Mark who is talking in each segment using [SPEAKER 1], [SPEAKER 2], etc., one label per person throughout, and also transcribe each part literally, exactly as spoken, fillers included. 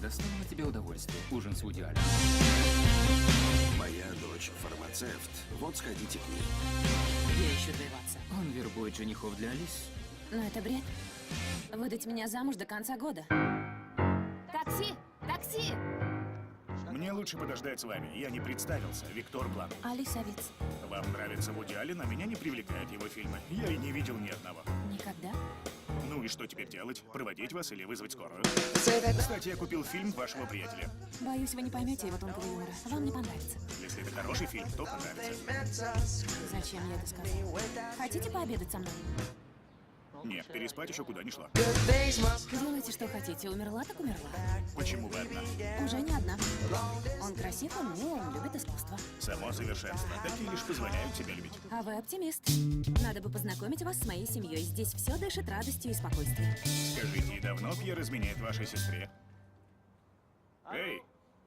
[SPEAKER 1] доставило тебе удовольствие? Ужин с Вуди Алленом.
[SPEAKER 2] Моя дочь фармацевт. Вот сходите к ней.
[SPEAKER 3] Я ищу твоего отца.
[SPEAKER 1] Он вербует женихов для Алис.
[SPEAKER 3] Но это бред. Выдать меня замуж до конца года. Такси! Такси!
[SPEAKER 4] Мне лучше подождать с вами. Я не представился. Виктор Блан.
[SPEAKER 3] Алиса Виц.
[SPEAKER 4] Вам нравится Вуди Аллен, а меня не привлекают его фильмы. Я и не видел ни одного.
[SPEAKER 3] Никогда?
[SPEAKER 4] Ну и что теперь делать? Проводить вас или вызвать скорую? Кстати, я купил фильм вашего приятеля.
[SPEAKER 3] Боюсь, вы не поймете его тонкого юмора. Вам не понравится.
[SPEAKER 4] Если это хороший фильм, то понравится.
[SPEAKER 3] Зачем я это сказал? Хотите пообедать со мной?
[SPEAKER 4] Нет, переспать еще куда не шло.
[SPEAKER 3] Делайте, что хотите. Умерла, так умерла.
[SPEAKER 4] Почему вы одна?
[SPEAKER 3] Уже не одна. Он красив, он мил, он любит искусство.
[SPEAKER 4] Само совершенство. Такие лишь позволяют себя любить.
[SPEAKER 3] А вы оптимист. Надо бы познакомить вас с моей семьей. Здесь все дышит радостью и спокойствием.
[SPEAKER 4] Скажите, и давно Пьер изменяет вашей сестре? Эй!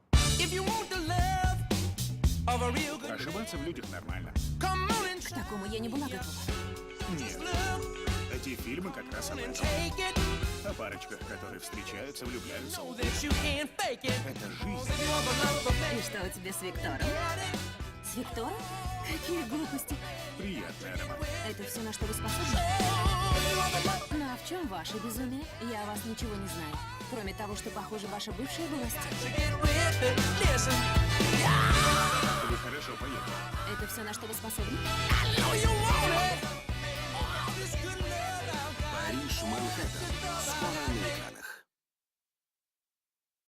[SPEAKER 4] Ошибаться в людях нормально.
[SPEAKER 3] К такому я не была готова.
[SPEAKER 4] Нет. Эти фильмы как раз об этом. О парочках, которые встречаются, влюбляются. Это жизнь.
[SPEAKER 3] И что у тебя с Виктором? С Виктором? Какие глупости.
[SPEAKER 4] Приятный аромат.
[SPEAKER 3] Это все, на что вы способны? Ну а в чем ваше безумие? Я о вас ничего не знаю. Кроме того, что, похоже, ваша бывшая была стиль.
[SPEAKER 4] Вы хорошо поели.
[SPEAKER 3] Это все, на что вы способны?
[SPEAKER 2] Париж, Манхэттен. Скоро